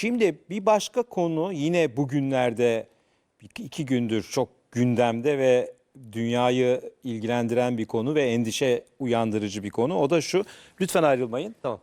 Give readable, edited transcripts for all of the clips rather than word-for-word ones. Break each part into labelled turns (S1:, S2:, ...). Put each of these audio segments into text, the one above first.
S1: Şimdi bir başka konu yine bugünlerde iki gündür çok gündemde ve dünyayı ilgilendiren bir konu ve endişe uyandırıcı bir konu. O da şu, lütfen ayrılmayın.
S2: Tamam.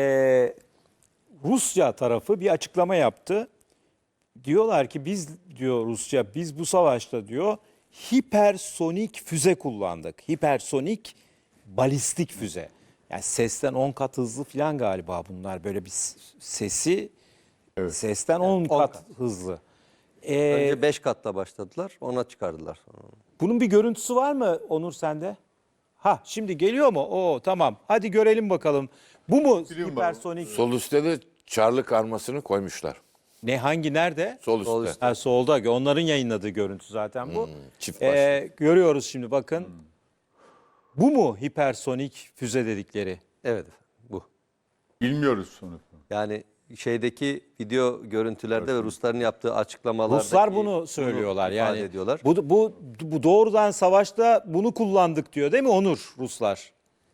S1: Rusya tarafı bir açıklama yaptı. Diyorlar ki biz, diyor Rusya, biz bu savaşta diyor hipersonik füze kullandık. Hipersonik balistik füze. Yani sesten 10 kat hızlı falan galiba bunlar, böyle bir sesi sesten 10 kat hızlı.
S2: Önce 5 katta başladılar, ona çıkardılar sonra.
S1: Bunun bir görüntüsü var mı Onur sende? Ha, şimdi geliyor mu? Oo, tamam. Hadi görelim bakalım. Bu mu hipersonik?
S3: Sol üstte de Çarlık armasını koymuşlar.
S1: Ne, hangi, nerede?
S3: Sol üstte.
S2: Sol üstte.
S1: Ha, solda. Onların yayınladığı görüntü zaten bu.
S3: Çift başlı.
S1: Görüyoruz şimdi, bakın. Bu mu hipersonik füze dedikleri?
S2: Evet, bu.
S4: Bilmiyoruz sonuçta.
S2: Yani şeydeki video görüntülerde ve Rusların yaptığı açıklamalarda
S1: Ruslar bunu söylüyorlar yani.
S2: ediyorlar.
S1: Bu doğrudan savaşta bunu kullandık diyor değil mi Onur, Ruslar?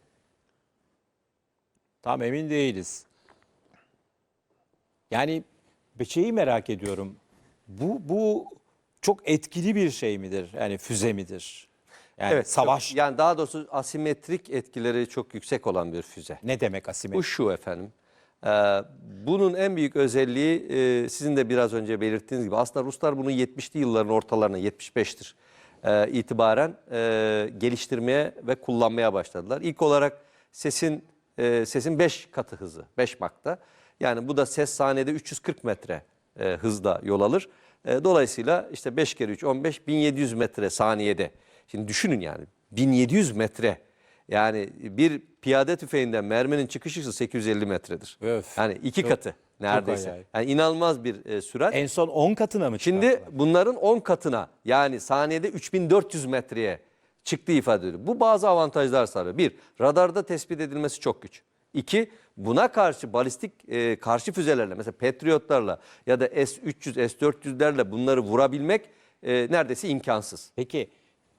S1: Tam emin değiliz. Yani bir şeyi merak ediyorum. Bu çok etkili bir şey midir? Yani füze midir? Yani
S2: Evet,
S1: savaş
S2: yani daha doğrusu asimetrik etkileri çok yüksek olan bir füze.
S1: ne demek asimetrik?
S2: Bu şu efendim. Bunun en büyük özelliği sizin de biraz önce belirttiğiniz gibi aslında Ruslar bunu 70'li yılların ortalarına, 75'tir itibaren geliştirmeye ve kullanmaya başladılar. İlk olarak sesin 5 katı hızı, 5 Mach'ta. Yani bu da ses saniyede 340 metre hızda yol alır. Dolayısıyla işte 5 kere 3 15, 1700 metre saniyede. Şimdi düşünün yani 1700 metre. Yani bir piyade tüfeğinden merminin çıkış hızı 850 metredir.
S1: Öf.
S2: Yani iki katı neredeyse.
S1: acayip.
S2: Yani inanılmaz bir sürat.
S1: En son 10 katına mı
S2: Şimdi
S1: çıkarttılar?
S2: bunların 10 katına, yani saniyede 3400 metreye çıktığı ifade ediliyor. Bu bazı avantajlar sağlıyor. Bir, radarda tespit edilmesi çok güç. İki, buna karşı balistik karşı füzelerle, mesela Patriotlarla ya da S-300, S-400'lerle bunları vurabilmek neredeyse imkansız.
S1: Peki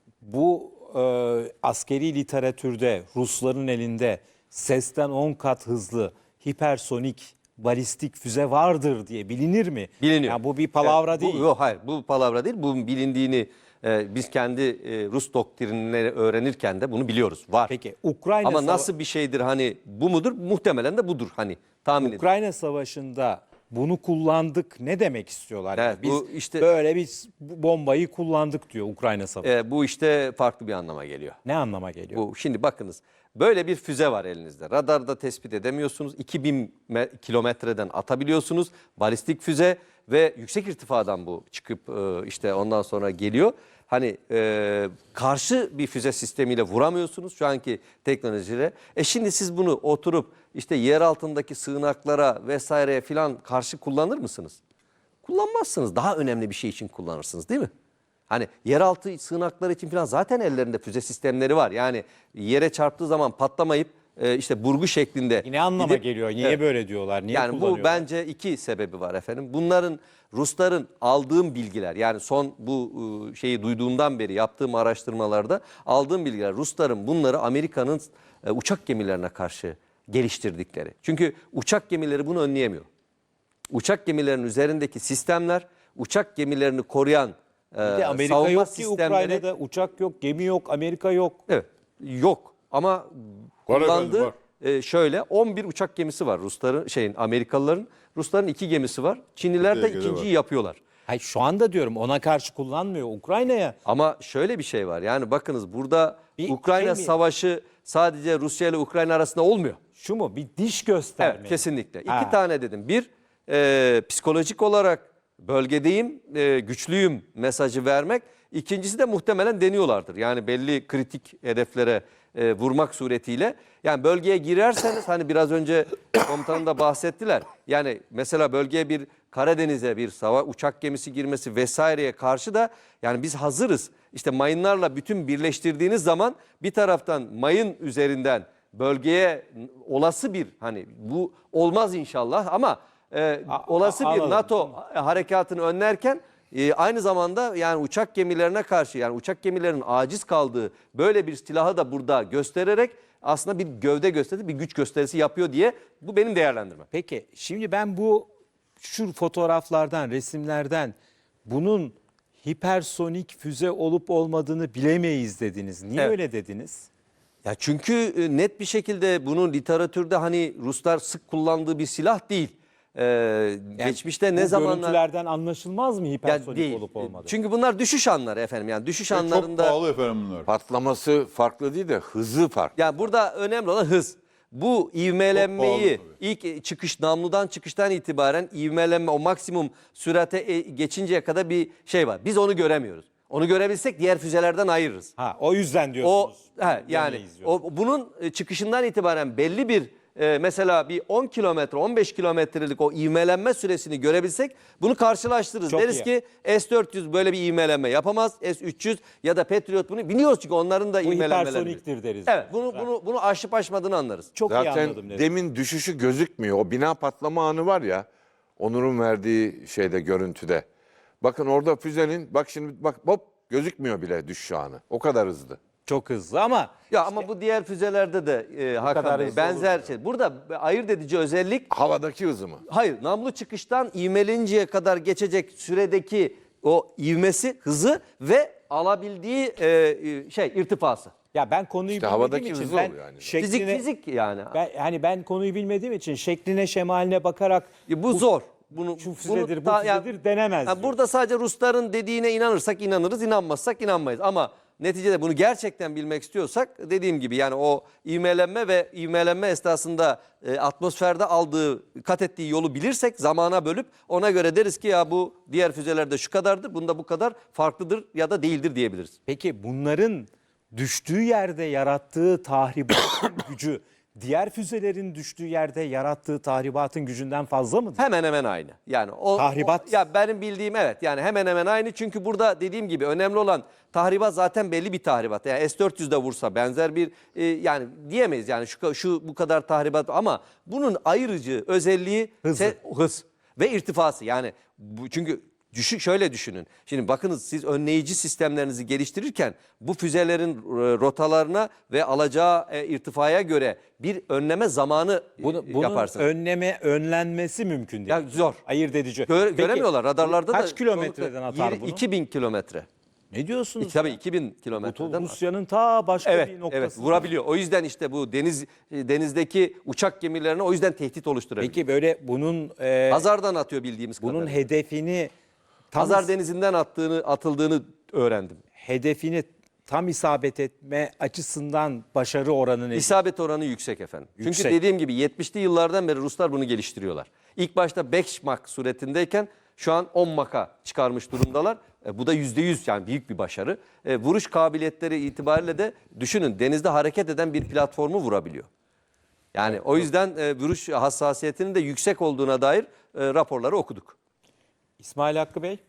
S1: bu askeri literatürde Rusların elinde sesten 10 kat hızlı hipersonik balistik füze vardır diye bilinir mi?
S2: Biliniyor.
S1: Yani bu bir palavra
S2: Evet,
S1: değil.
S2: Yok, hayır, bu palavra değil. Bunun bilindiğini biz kendi Rus doktrinleri öğrenirken de bunu biliyoruz. Var.
S1: Peki Ukrayna
S2: Ama nasıl bir şeydir, hani bu mudur? Muhtemelen de budur, hani tahmin ediyorum.
S1: Ukrayna Savaşı'nda bunu kullandık ne demek istiyorlar?
S2: Evet,
S1: Yani biz
S2: bu işte-
S1: böyle bir bombayı kullandık diyor Ukrayna Savaşı.
S2: Bu işte farklı bir anlama geliyor.
S1: Ne anlama geliyor?
S2: Bu şimdi bakınız, böyle bir füze var elinizde. Radarda tespit edemiyorsunuz. 2000 kilometreden atabiliyorsunuz. Balistik füze ve yüksek irtifadan bu çıkıp işte ondan sonra geliyor. Hani karşı bir füze sistemiyle vuramıyorsunuz şu anki teknolojiyle. Şimdi siz bunu oturup işte yer altındaki sığınaklara vesaireye filan karşı kullanır mısınız? Kullanmazsınız. Daha önemli bir şey için kullanırsınız, değil mi? Hani yeraltı sığınakları için falan zaten ellerinde füze sistemleri var. Yani yere çarptığı zaman patlamayıp işte burgu şeklinde.
S1: Ne anlama
S2: gidip-
S1: geliyor? Niye
S2: Evet.
S1: böyle diyorlar? Niye
S2: Yani
S1: kullanıyorlar?
S2: bu bence iki sebebi var efendim. Bunların, Rusların aldığım bilgiler, yani son bu şeyi duyduğumdan beri yaptığım araştırmalarda aldığım bilgiler, Rusların bunları Amerika'nın uçak gemilerine karşı geliştirdikleri. Çünkü uçak gemileri bunu önleyemiyor. Uçak gemilerinin üzerindeki sistemler, uçak gemilerini koruyan
S1: Bir de Amerika
S2: savunma
S1: yok ki
S2: sistemleri,
S1: Ukrayna'da, uçak yok, gemi yok, Amerika yok.
S2: evet, yok ama
S4: Var
S2: kullandığı
S4: efendim,
S2: şöyle 11 uçak gemisi var Rusların, Amerikalıların. Rusların 2 gemisi var. Çinliler de
S4: Türkiye'de
S2: ikinciyi
S4: var.
S2: yapıyorlar.
S1: Hayır, şu anda diyorum ona karşı kullanmıyor Ukrayna'ya.
S2: Ama şöyle bir şey var. Yani bakınız, burada
S1: Bir
S2: Ukrayna
S1: şey mi?
S2: savaşı sadece Rusya ile Ukrayna arasında olmuyor.
S1: Şu mu? Bir diş gösterme.
S2: Evet, kesinlikle.
S1: Ha.
S2: İki tane dedim. Bir, psikolojik olarak bölgedeyim, güçlüyüm mesajı vermek. İkincisi de muhtemelen deniyorlardır. Yani belli kritik hedeflere vurmak suretiyle. Yani bölgeye girerseniz, hani biraz önce komutanım da bahsettiler. Yani mesela bölgeye bir Karadeniz'e bir uçak gemisi girmesi vesaireye karşı da yani biz hazırız. İşte mayınlarla bütün birleştirdiğiniz zaman bir taraftan mayın üzerinden bölgeye olası bir, hani bu olmaz inşallah ama olası bir
S1: anladım.
S2: NATO harekatını önlerken aynı zamanda yani uçak gemilerine karşı, yani uçak gemilerinin aciz kaldığı böyle bir silahı da burada göstererek aslında bir gövde gösterisi, bir güç gösterisi yapıyor diye, bu benim değerlendirmem.
S1: Peki şimdi ben bu şu fotoğraflardan, resimlerden bunun hipersonik füze olup olmadığını bilemeyiz dediniz. Niye
S2: Evet.
S1: öyle dediniz?
S2: Ya çünkü net bir şekilde bunu literatürde hani Ruslar sık kullandığı bir silah değil. Geçmişte ne
S1: Bu
S2: zamanlar
S1: görüntülerden anlaşılmaz mı
S2: ya
S1: hipersonik
S2: değil.
S1: olup olmadığı?
S2: Çünkü bunlar düşüş anları efendim. Yani düşüş
S4: Çok
S2: anlarında
S4: pahalı efendim bunlar.
S3: Patlaması farklı değil de hızı farklı.
S2: ya burada önemli olan hız. Bu
S4: Çok
S2: ivmelenmeyi
S4: pahalı
S2: ilk namludan çıkıştan itibaren ivmelenme o maksimum sürate geçinceye kadar bir şey var. Biz onu göremiyoruz. Onu görebilsek diğer füzelerden ayırırız.
S1: Ha, o yüzden
S2: O
S1: diyorsunuz.
S2: yani
S1: Bilemeyiz diyorsunuz.
S2: bunun çıkışından itibaren belli bir mesela bir 10 kilometre 15 kilometrelik o ivmelenme süresini görebilsek bunu karşılaştırırız.
S1: Çok
S2: Deriz
S1: iyi.
S2: ki S-400 böyle bir ivmelenme yapamaz. S-300 ya da Patriot bunu biliyoruz çünkü onların da
S1: Bu
S2: ivmelenmeleri.
S1: hipersoniktir deriz.
S2: Evet bunu aşıp aşmadığını anlarız.
S1: Çok iyi
S3: Zaten
S1: anladım dedim.
S3: demin düşüşü gözükmüyor. O bina patlama anı var ya. Onur'un verdiği şeyde görüntüde. Bakın orada füzenin bak şimdi bak hop gözükmüyor bile düşüş anı. O kadar hızlı.
S1: Çok hızlı ama
S2: Ya ama bu diğer füzelerde de Hakan
S1: kadar
S2: Bey
S1: hızlı
S2: benzer şey. Burada ayırt edici özellik
S3: Havadaki hızı mı?
S2: hayır namlu çıkıştan ivmelinceye kadar geçecek süredeki o ivmesi, hızı ve alabildiği irtifası.
S1: ya ben konuyu
S3: İşte
S1: bilmediğim
S3: havadaki
S1: için
S3: hızı
S1: ben
S3: oluyor yani.
S2: Fizik yani.
S1: ben konuyu bilmediğim için şekline şemaline bakarak
S2: Bu zor. Bunu
S1: şu füzedir, bu
S2: ta-
S1: füzedir denemez. diyor.
S2: burada sadece Rusların dediğine inanırsak inanırız, inanmazsak inanmayız. Ama neticede bunu gerçekten bilmek istiyorsak dediğim gibi yani o ivmelenme esnasında atmosferde kat ettiği yolu bilirsek zamana bölüp ona göre deriz ki ya bu diğer füzelerde şu kadardır, bunda bu kadar farklıdır ya da değildir diyebiliriz.
S1: Peki bunların düştüğü yerde yarattığı tahribatın gücü diğer füzelerin düştüğü yerde yarattığı tahribatın gücünden fazla mıdır?
S2: Hemen hemen aynı. Yani
S1: Tahribat.
S2: ya benim bildiğim evet yani hemen hemen aynı çünkü burada dediğim gibi önemli olan tahribat zaten belli bir tahribat. Yani S-400'de vursa benzer bir yani diyemeyiz yani şu bu kadar tahribat ama bunun ayırıcı özelliği
S1: Hızı.
S2: hız ve irtifası. Yani çünkü şöyle düşünün. Şimdi bakınız siz önleyici sistemlerinizi geliştirirken bu füzelerin rotalarına ve alacağı irtifaya göre bir önleme zamanı
S1: Bunun
S2: yaparsınız.
S1: önlenmesi mümkün değil.
S2: Ya zor.
S1: Ayırt edici.
S2: Gör-
S1: Peki,
S2: göremiyorlar radarlarda da.
S1: kaç kilometreden atar bunu?
S2: 2000 kilometre.
S1: Ne diyorsunuz?
S2: Tabii
S1: ya?
S2: 2000
S1: Bu
S2: kilometreden.
S1: Rusya'nın ta başka
S2: Evet,
S1: bir noktası.
S2: evet vurabiliyor. O yüzden işte bu denizdeki uçak gemilerine o yüzden tehdit oluşturabiliyor.
S1: Peki böyle bunun
S2: Hazar'dan atıyor bildiğimiz
S1: bunun
S2: kadarıyla.
S1: hedefini tam
S2: Hazar denizinden atıldığını öğrendim.
S1: tam isabet etme açısından başarı oranı ne?
S2: İsabet oranı yüksek efendim. Çünkü
S1: Yüksek.
S2: dediğim gibi 70'li yıllardan beri Ruslar bunu geliştiriyorlar. İlk başta 5 Mach suretindeyken şu an 10 Mach'a çıkarmış durumdalar. Bu da %100 yani büyük bir başarı. Vuruş kabiliyetleri itibariyle de düşünün denizde hareket eden bir platformu vurabiliyor. Yani o yüzden vuruş hassasiyetinin de yüksek olduğuna dair raporları okuduk.
S1: İsmail Hakkı Bey.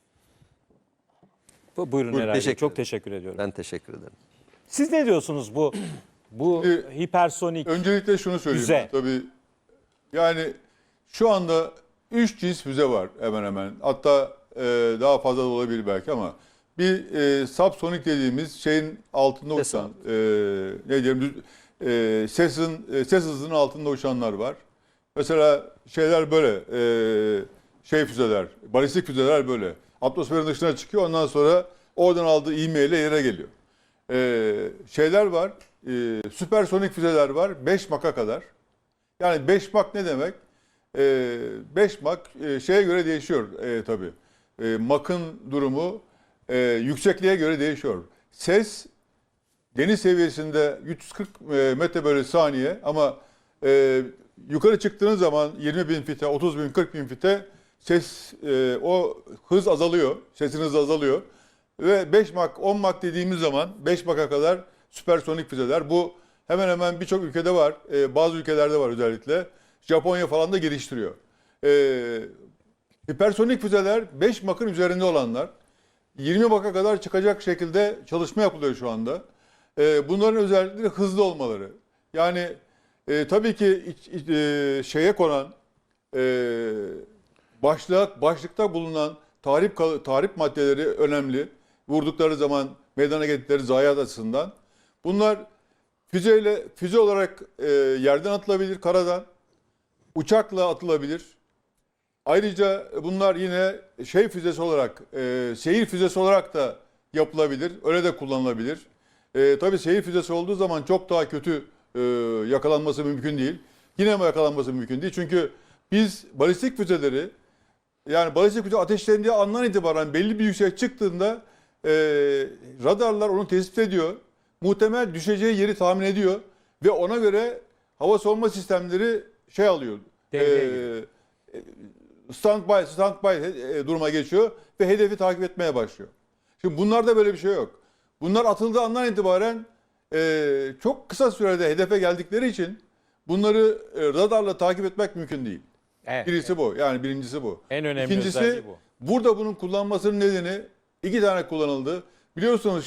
S1: Buyurun Eray Bey.
S2: teşekkür
S1: Çok
S2: ederim.
S1: teşekkür ediyorum.
S2: Ben teşekkür ederim.
S1: Siz ne diyorsunuz bu hipersonik?
S4: Öncelikle şunu söyleyeyim.
S1: Füze.
S4: Tabii yani şu anda 3 cins füze var hemen hemen. Hatta daha fazla da olabilir belki ama bir subsonik dediğimiz şeyin altında
S2: Ses
S4: uçan ne diyelim ses hızının altında uçanlar var. Mesela şeyler böyle füzeler, balistik füzeler böyle. Atmosferin dışına çıkıyor ondan sonra oradan aldığı ivmeyle yere geliyor. Şeyler var, süpersonik füzeler var 5 Mach'a kadar. Yani 5 Mach ne demek? 5 Mach şeye göre değişiyor tabii. Mach'ın durumu yüksekliğe göre değişiyor. Ses deniz seviyesinde 140 metre bölü saniye ama yukarı çıktığınız zaman 20 bin fite, 30 bin, 40 bin fite ses o hız azalıyor. Sesin hızı azalıyor. Ve 5 Mach, 10 Mach dediğimiz zaman 5 Mach'a kadar süpersonik füzeler. Bu hemen hemen birçok ülkede var. Bazı ülkelerde var özellikle. Japonya falan da geliştiriyor. Hipersonik füzeler 5 Mach'ın üzerinde olanlar. 20 Mach'a kadar çıkacak şekilde çalışma yapılıyor şu anda. Bunların özellikleri hızlı olmaları. Yani tabii ki şeye konan başlıkta bulunan tahrip maddeleri önemli. Vurdukları zaman meydana getirdikleri zayiat açısından. Bunlar füze olarak yerden atılabilir, karadan. Uçakla atılabilir. Ayrıca bunlar yine şey füzesi olarak, seyir füzesi olarak da yapılabilir. Öyle de kullanılabilir. Tabii seyir füzesi olduğu zaman çok daha kötü yakalanması mümkün değil. Yine mi yakalanması mümkün değil? Çünkü biz balistik füzeleri, yani balistik füze ateşlendiği andan itibaren belli bir yüksek çıktığında radarlar onu tespit ediyor. Muhtemel düşeceği yeri tahmin ediyor ve ona göre hava savunma sistemleri şey alıyor.
S1: Devreye
S4: Standby duruma geçiyor ve hedefi takip etmeye başlıyor. Şimdi bunlarda böyle bir şey yok. Bunlar atıldığı andan itibaren çok kısa sürede hedefe geldikleri için bunları radarla takip etmek mümkün değil.
S1: Evet.
S4: Birisi bu. Yani birincisi bu.
S1: En önemli
S4: İkincisi
S1: özelliği bu.
S4: burada bunun kullanmasının nedeni iki tane kullanıldı. Biliyorsunuz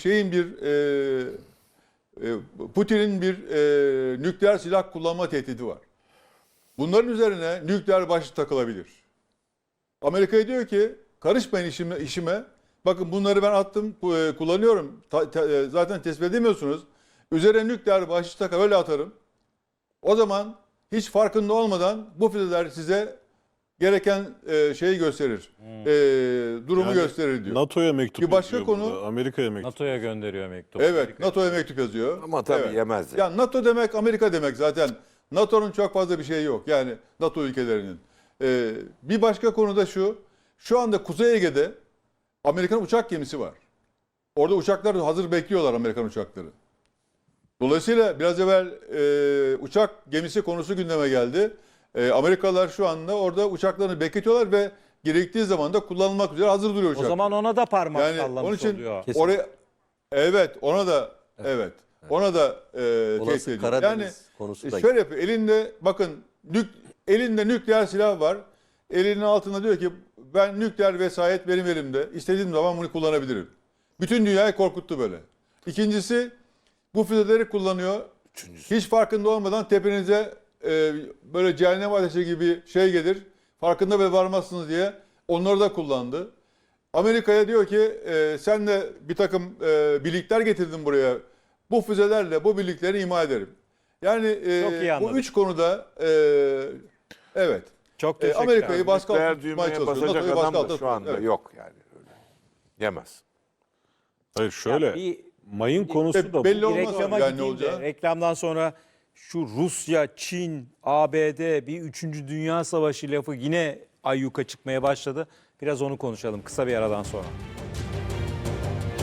S4: Putin'in bir nükleer silah kullanma tehdidi var. Bunların üzerine nükleer başlık takılabilir. Amerika diyor ki karışmayın işime. Bakın bunları ben attım, kullanıyorum. Zaten tespit edemiyorsunuz. Üzerine nükleer başlık takar öyle atarım. O zaman hiç farkında olmadan bu füzeler size gereken şeyi gösterir. Durumu
S5: Yani
S4: gösterir diyor.
S5: NATO'ya mektup
S4: Bir başka
S5: yazıyor
S4: konu-
S5: burada, Amerika'ya mektup.
S1: NATO'ya gönderiyor mektup.
S4: Evet, NATO'ya mektup yazıyor.
S3: Ama tabii
S4: Evet.
S3: yemez.
S4: Ya NATO demek Amerika demek zaten. NATO'nun çok fazla bir şeyi yok. Yani NATO ülkelerinin. Bir başka konu da şu. Şu anda Kuzey Ege'de Amerikan uçak gemisi var. Orada uçaklar hazır bekliyorlar, Amerikan uçakları. Dolayısıyla biraz evvel uçak gemisi konusu gündeme geldi. Amerikalılar şu anda orada uçaklarını bekletiyorlar ve gerektiği zaman da kullanılmak üzere hazır duruyor
S1: O
S4: uçaklar.
S1: zaman ona da parmak
S4: Yani
S1: sallamış
S4: onun için
S1: oluyor.
S2: Kesin.
S4: oraya ona da ona da tehdit
S2: Olası
S4: ediyor.
S2: Karadeniz
S4: Yani
S2: konusu da
S4: şöyle yapıyor. Elinde bakın elinde nükleer silah var. Elinin altında diyor ki ben nükleer vesayet benim elimde. İstediğim zaman bunu kullanabilirim. Bütün dünyayı korkuttu böyle. İkincisi bu füzeleri kullanıyor. Hiç farkında olmadan tepenize böyle cehennem ateşi gibi şey gelir. Farkında bile varmazsınız diye onları da kullandı. Amerika'ya diyor ki sen de bir takım birlikler getirdin buraya. Bu füzelerle bu birlikleri ima ederim. Yani
S1: Çok iyi
S4: bu
S1: anladık.
S4: üç konuda evet.
S1: Çok teşekkür
S4: Amerika'yı
S1: ederim.
S4: baskı altında
S3: Nükleer
S4: tutmaya
S3: düğmeye
S4: çalışıyor.
S3: basacak
S4: NATO'yu baskı
S3: adam da
S4: altında
S3: şu anda
S4: tutuyor. Evet.
S3: yok yani. Öyle. Yemez.
S5: Hayır şöyle,
S1: bir-
S5: mayın konusu da
S4: belli
S5: bu.
S4: olmaz
S1: Reklama
S4: yani ne
S1: gideyim de,
S4: olacağı.
S1: reklamdan sonra şu Rusya, Çin, ABD bir 3. Dünya Savaşı lafı yine ayyuka çıkmaya başladı. Biraz onu konuşalım kısa bir aradan sonra.